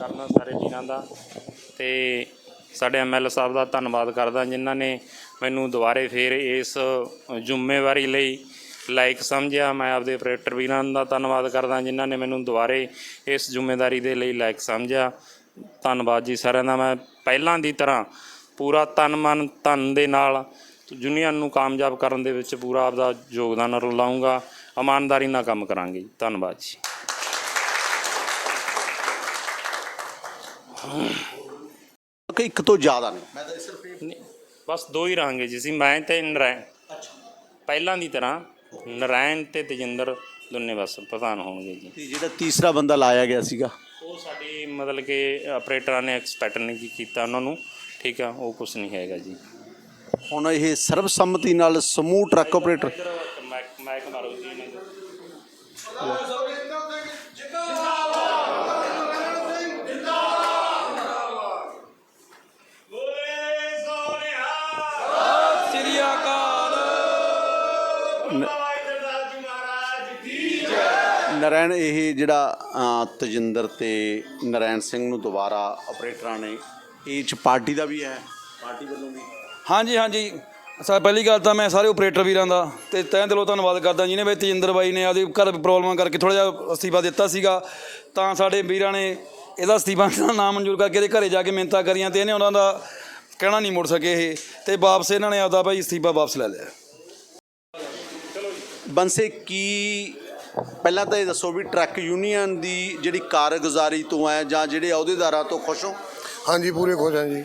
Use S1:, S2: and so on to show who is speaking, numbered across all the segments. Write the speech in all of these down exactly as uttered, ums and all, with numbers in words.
S1: ਕਰਦਾ ਸਾਰੇ ਵੀਰਾਂ ਦਾ ਤੇ ਸਾਡੇ ਐਮ ਐਲ ਸਾਹਿਬ ਦਾ ਧੰਨਵਾਦ ਕਰਦਾ ਜਿਨ੍ਹਾਂ ਨੇ ਮੈਨੂੰ ਦੁਬਾਰੇ ਫਿਰ ਇਸ ਜ਼ਿੰਮੇਵਾਰੀ ਲਈ ਲਾਇਕ ਸਮਝਿਆ। मैं आपदे ऑपरेटर ਵੀਰਾਂ ਦਾ ਧੰਨਵਾਦ ਕਰਦਾ ਜਿਨ੍ਹਾਂ ਨੇ ਮੈਨੂੰ ਦੁਬਾਰੇ ਇਸ ਜ਼ਿੰਮੇਵਾਰੀ ਦੇ ਲਈ ਲਾਇਕ ਸਮਝਿਆ। ਧੰਨਵਾਦ ਜੀ ਸਾਰਿਆਂ ਦਾ। ਮੈਂ ਪਹਿਲਾਂ ਦੀ ਤਰ੍ਹਾਂ ਪੂਰਾ ਤਨ ਮਨ ਧਨ ਦੇ ਨਾਲ ਯੂਨੀਅਨ ਨੂੰ ਕਾਮਯਾਬ ਕਰਨ ਦੇ ਵਿੱਚ ਪੂਰਾ ਆਪਦਾ ਯੋਗਦਾਨ ਲਾਊਂਗਾ। ਇਮਾਨਦਾਰੀ ਨਾਲ ਕੰਮ ਕਰਾਂਗੇ ਜੀ। ਧੰਨਵਾਦ ਜੀ।
S2: ਇੱਕ ਤੋਂ ਜ਼ਿਆਦਾ ਨਹੀਂ, ਮੈਂ ਤਾਂ ਸਿਰਫ
S1: ਨਹੀਂ, ਬਸ ਦੋ ਹੀ ਰਹਾਂਗੇ ਜੀ ਅਸੀਂ, ਮੈਂ ਤੇ ਨਰਾਇਣ। ਪਹਿਲਾਂ ਦੀ ਤਰ੍ਹਾਂ ਨਰਾਇਣ ਤੇ ਤੇਜਿੰਦਰ ਦੋਨੇ ਬਸ ਪ੍ਰਧਾਨ ਹੋਣਗੇ ਜੀ।
S2: ਤੇ ਜਿਹੜਾ ਤੀਸਰਾ ਬੰਦਾ ਲਾਇਆ ਗਿਆ ਸੀਗਾ
S1: ਉਹ ਸਾਡੀ ਮਤਲਬ ਕਿ ਆਪਰੇਟਰਾਂ ਨੇ ਐਕਸਪੈਕਟ ਨਹੀਂ ਕੀਤਾ ਉਹਨਾਂ ਨੂੰ, ਠੀਕ ਆ, ਉਹ ਕੁਛ ਨਹੀਂ ਹੈਗਾ ਜੀ।
S2: ਹੁਣ ਇਹ ਸਰਬਸੰਮਤੀ ਨਾਲ ਸਮੂਹ ਟਰੱਕ ਆਪਰੇਟਰ
S1: ਮਾਈਕ ਮਾਰੋ ਜੀ ਇਹਨਾਂ ਦੇ।
S2: ਨਰਾਇਣ ਇਹ ਜਿਹੜਾ ਤੇਜਿੰਦਰ ਤੇ ਨਰਾਇਣ ਸਿੰਘ ਨੂੰ ਦੁਬਾਰਾ ਆਪਰੇਟਰਾਂ ਨੇ ਇਹ 'ਚ ਪਾਰਟੀ ਦਾ ਵੀ ਹੈ, ਪਾਰਟੀ ਵੱਲੋਂ ਵੀ।
S3: ਹਾਂਜੀ ਹਾਂਜੀ ਸਰ, ਪਹਿਲੀ ਗੱਲ ਤਾਂ ਮੈਂ ਸਾਰੇ ਆਪਰੇਟਰ ਵੀਰਾਂ ਦਾ ਤੇ ਤਹਿ ਦਿਲੋਂ ਧੰਨਵਾਦ ਕਰਦਾ ਜਿਹਨੇ ਵੀ ਤੇਜਿੰਦਰ ਬਾਈ ਨੇ ਆਪਦੇ ਘਰ ਪ੍ਰੋਬਲਮਾਂ ਕਰਕੇ ਥੋੜ੍ਹਾ ਜਿਹਾ ਅਸਤੀਫਾ ਦਿੱਤਾ ਸੀਗਾ, ਤਾਂ ਸਾਡੇ ਵੀਰਾਂ ਨੇ ਇਹਦਾ ਅਸਤੀਫਾ ਨਾ ਮਨਜ਼ੂਰ ਕਰਕੇ ਇਹਦੇ ਘਰੇ ਜਾ ਕੇ ਮਿੰਨਤਾਂ ਕਰੀਆਂ ਤੇ ਇਹਨੇ ਉਹਨਾਂ ਦਾ ਕਹਿਣਾ ਨਹੀਂ ਮੁੜ ਸਕੇ ਇਹ, ਤੇ ਵਾਪਸ ਇਹਨਾਂ ਨੇ ਆਪਦਾ ਭਾਈ ਅਸਤੀਫਾ ਵਾਪਸ ਲੈ ਲਿਆ।
S2: ਬੰਸੇ ਕੀ ਪਹਿਲਾਂ ਤਾਂ ਇਹ ਦੱਸੋ ਵੀ ਟਰੱਕ ਯੂਨੀਅਨ ਦੀ ਜਿਹੜੀ ਕਾਰਗੁਜ਼ਾਰੀ ਤੋਂ ਹੈ ਜਾਂ ਜਿਹੜੇ ਅਹੁਦੇਦਾਰਾਂ ਤੋਂ ਖੁਸ਼ ਹੋ?
S4: ਹਾਂਜੀ ਪੂਰੇ ਖੁਸ਼ ਹਾਂ ਜੀ।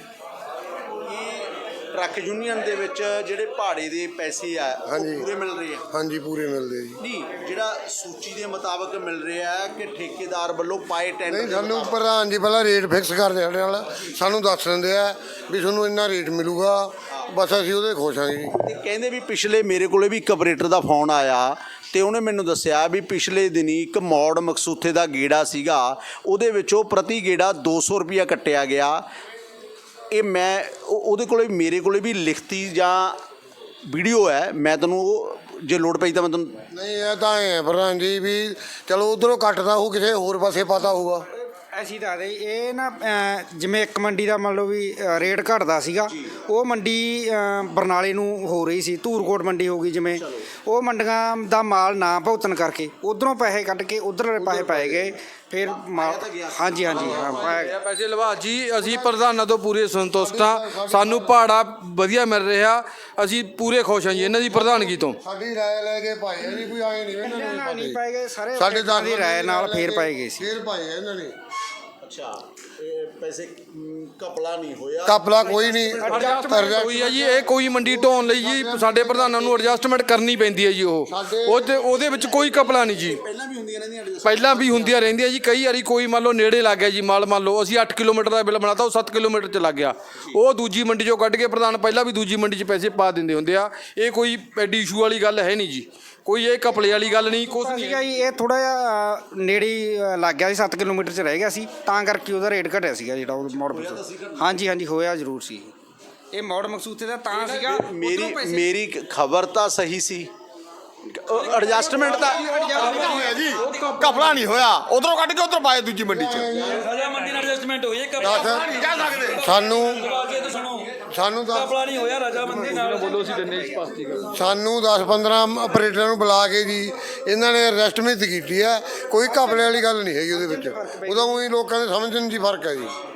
S2: ਟਰੱਕ ਯੂਨੀਅਨ ਦੇ ਵਿੱਚ ਜਿਹੜੇ ਭਾੜੇ ਦੇ ਪੈਸੇ ਆ ਉਹ
S4: ਹਾਂਜੀ।
S2: ਪੂਰੇ ਮਿਲ ਰਹੇ ਆ?
S4: ਹਾਂਜੀ ਪੂਰੇ ਮਿਲਦੇ ਜੀ।
S2: ਨਹੀਂ, ਜਿਹੜਾ ਸੂਚੀ ਦੇ ਮੁਤਾਬਕ ਮਿਲ ਰਿਹਾ ਹੈ ਕਿ ਠੇਕੇਦਾਰ ਵੱਲੋਂ ਪਾਏ ਟੈਂਡਰ
S4: ਨਹੀਂ, ਸਾਨੂੰ ਪ੍ਰਧਾਨ ਜੀ ਪਹਿਲਾਂ ਰੇਟ ਫਿਕਸ ਕਰਦੇ ਸਾਡੇ ਨਾਲ, ਸਾਨੂੰ ਦੱਸ ਦਿੰਦੇ ਆ ਵੀ ਤੁਹਾਨੂੰ ਇੰਨਾ ਰੇਟ ਮਿਲੂਗਾ, ਬਸ ਅਸੀਂ ਉਹਦੇ ਖੁਸ਼ ਹਾਂ ਜੀ।
S2: ਤੇ ਕਹਿੰਦੇ ਵੀ ਪਿਛਲੇ ਮੇਰੇ ਕੋਲੇ ਵੀ ਇੱਕ ਆਪਰੇਟਰ ਦਾ ਫੋਨ ਆਇਆ ਤੇ ਉਹਨੇ ਮੈਨੂੰ ਦੱਸਿਆ ਵੀ ਪਿਛਲੇ ਦਿਨੀ ਇੱਕ ਮੌੜ ਮਕਸੂਥੇ ਦਾ ਗੇੜਾ ਸੀਗਾ, ਉਹਦੇ ਵਿੱਚੋਂ ਪ੍ਰਤੀ ਗੇੜਾ ਦੋ ਸੌ ਰੁਪਇਆ ਕੱਟਿਆ ਗਿਆ। ਇਹ ਮੈਂ ਉਹਦੇ ਕੋਲੇ ਮੇਰੇ ਕੋਲੇ ਵੀ ਲਿਖਤੀ ਜਾਂ ਵੀਡੀਓ ਹੈ, ਮੈਂ ਤੈਨੂੰ ਉਹ ਜੇ ਲੋੜ ਪਈ ਤਾਂ ਮੈਂ ਤੈਨੂੰ।
S4: ਨਹੀਂ, ਇਹ ਤਾਂ ਐਂ ਹੈ ਪ੍ਰਧਾਨ ਜੀ ਵੀ ਚਲੋ ਉੱਧਰੋਂ ਕੱਟਦਾ ਹੋਊ, ਕਿਸੇ ਹੋਰ ਪਾਸੇ ਪਤਾ ਹੋਊਗਾ।
S5: ਅਸੀਂ ਦੱਸਦੇ ਇਹ ਨਾ ਜਿਵੇਂ ਇੱਕ ਮੰਡੀ ਦਾ ਮੰਨ ਲਓ ਵੀ ਰੇਟ ਘਟਦਾ ਸੀਗਾ, ਉਹ ਮੰਡੀ ਬਰਨਾਲੇ ਨੂੰ ਹੋ ਰਹੀ ਸੀ, ਧੂਰਕੋਟ ਮੰਡੀ ਹੋ ਗਈ ਜਿਵੇਂ, ਉਹ ਮੰਡੀਆਂ ਦਾ ਮਾਲ ਨਾ ਭੁਗਤਣ ਕਰਕੇ ਉਧਰੋਂ ਪੈਸੇ ਕੱਢ ਕੇ ਉਧਰ ਪੈਸੇ ਪਾਏ ਗਏ, ਫਿਰ ਮਾਲ। ਹਾਂਜੀ ਹਾਂਜੀ ਹਾਂ ਪਾਇਆ
S6: ਪੈਸੇ ਲਵਾ ਜੀ। ਅਸੀਂ ਪ੍ਰਧਾਨਾਂ ਤੋਂ ਪੂਰੇ ਸੰਤੁਸ਼ਟ ਹਾਂ, ਸਾਨੂੰ ਭਾੜਾ ਵਧੀਆ ਮਿਲ ਰਿਹਾ, ਅਸੀਂ ਪੂਰੇ ਖੁਸ਼ ਹਾਂ ਜੀ ਇਹਨਾਂ ਦੀ ਪ੍ਰਧਾਨਗੀ ਤੋਂ।
S4: ਸਾਡੀ ਰਾਏ ਲੈ ਕੇ ਪਾਏ ਆ ਜੀ, ਕੋਈ ਆਏ ਨਹੀਂ ਇਹਨਾਂ ਨੇ
S5: ਨਹੀਂ ਪਾਏ ਗਏ ਸਾਰੇ,
S4: ਸਾਡੇ ਦਸ
S5: ਦੀ ਰਾਏ ਨਾਲ ਫੇਰ ਪਾਏ ਗਏ ਸੀ,
S4: ਫੇਰ ਪਾਏ ਆ ਇਹਨਾਂ ਨੇ।
S2: ਅੱਛਾ, ਇਹ ਪੈਸੇ ਕਪਲਾ ਨਹੀਂ ਹੋਇਆ?
S4: ਕਪਲਾ ਕੋਈ ਨਹੀਂ
S6: ਹੋਈ ਹੈ ਜੀ। ਇਹ ਕੋਈ ਮੰਡੀ ਢੋਣ ਲਈ ਜੀ ਸਾਡੇ ਪ੍ਰਧਾਨਾਂ ਨੂੰ ਐਡਜਸਟਮੈਂਟ ਕਰਨੀ ਪੈਂਦੀ ਹੈ ਜੀ। ਉਹ ਉਹਦੇ ਉਹਦੇ ਵਿੱਚ ਕੋਈ ਕਪਲਾ ਨਹੀਂ ਜੀ।
S2: ਪਹਿਲਾਂ ਵੀ ਹੁੰਦੀਆਂ ਰਹਿੰਦੀਆਂ
S6: ਪਹਿਲਾਂ ਵੀ ਹੁੰਦੀਆਂ ਰਹਿੰਦੀਆਂ ਜੀ। ਕਈ ਵਾਰੀ ਕੋਈ ਮੰਨ ਲਓ ਨੇੜੇ ਲੱਗ ਗਿਆ ਜੀ ਮਾਲ, ਮੰਨ ਲਓ ਅਸੀਂ ਅੱਠ ਕਿਲੋਮੀਟਰ ਦਾ ਬਿੱਲ ਬਣਾਤਾ, ਉਹ ਸੱਤ ਕਿਲੋਮੀਟਰ 'ਚ ਲੱਗ ਗਿਆ, ਉਹ ਦੂਜੀ ਮੰਡੀ 'ਚੋਂ ਕੱਢ ਕੇ ਪ੍ਰਧਾਨ ਪਹਿਲਾਂ ਵੀ ਦੂਜੀ ਮੰਡੀ 'ਚ ਪੈਸੇ ਪਾ ਦਿੰਦੇ ਹੁੰਦੇ ਆ। ਇਹ ਕੋਈ ਐਡੀ ਇਸ਼ੂ ਵਾਲੀ ਗੱਲ ਹੈ ਨਹੀਂ ਜੀ, ਕੋਈ ਇਹ ਕਪਲੇ ਵਾਲੀ ਗੱਲ ਨਹੀਂ, ਕੁਛ ਨਹੀਂ
S5: ਸੀਗਾ ਜੀ। ਇਹ ਥੋੜਾ ਜਿਹਾ ਨੇੜੇ ਲੱਗ ਗਿਆ ਸੀ, ਸੱਤ ਕਿਲੋਮੀਟਰ 'ਚ ਰਹਿ ਗਿਆ ਸੀ, ਤਾਂ ਕਰਕੇ ਉਹਦਾ ਰੇਟ ਘਟਿਆ ਸੀਗਾ ਜਿਹੜਾ ਉਹ ਮੋੜ। ਹਾਂਜੀ ਹਾਂਜੀ ਹੋਇਆ ਜ਼ਰੂਰ ਸੀ। ਇਹ ਮੋੜ ਮਕਸੂਦੇ ਦਾ ਤਾਂ ਸੀਗਾ।
S2: ਮੇਰੀ ਮੇਰੀ ਖਬਰ ਤਾਂ ਸਹੀ ਸੀ, ਐਡਜਸਟਮੈਂਟ ਦਾ
S4: ਹੋਇਆ ਜੀ, ਕਪਲਾ ਨਹੀਂ ਹੋਇਆ, ਉਧਰੋਂ ਕੱਢ ਕੇ ਉਧਰ ਪਾਏ ਦੂਜੀ ਮੰਡੀ 'ਚ।
S3: ਰਜਾ ਮੰਡੀ ਨਾਲ ਐਡਜਸਟਮੈਂਟ ਹੋਈ ਹੈ,
S4: ਸਾਨੂੰ ਸਾਨੂੰ ਤਾਂ
S3: ਕਪਲਾ ਨਹੀਂ ਹੋਇਆ, ਰਜਾ ਮੰਡੀ ਨਾਲ ਬੋਲੋ ਸੀ ਦਿੰਦੇ ਸਪਸ਼ਟੀਕਰਨ।
S4: ਸਾਨੂੰ ਦਸ ਪੰਦਰਾਂ ਆਪਰੇਟਰਾਂ ਨੂੰ ਬੁਲਾ ਕੇ ਜੀ ਇਹਨਾਂ ਨੇ ਅਰੈਸਟਮੈਂਟ ਕੀਤੀ ਹੈ, ਕੋਈ ਘਪਲੇ ਵਾਲੀ ਗੱਲ ਨਹੀਂ ਹੈਗੀ ਉਹਦੇ ਵਿੱਚ। ਉਦੋਂ ਹੀ ਲੋਕਾਂ ਦੇ ਸਮਝਣ 'ਚ ਹੀ ਫਰਕ ਹੈ ਜੀ।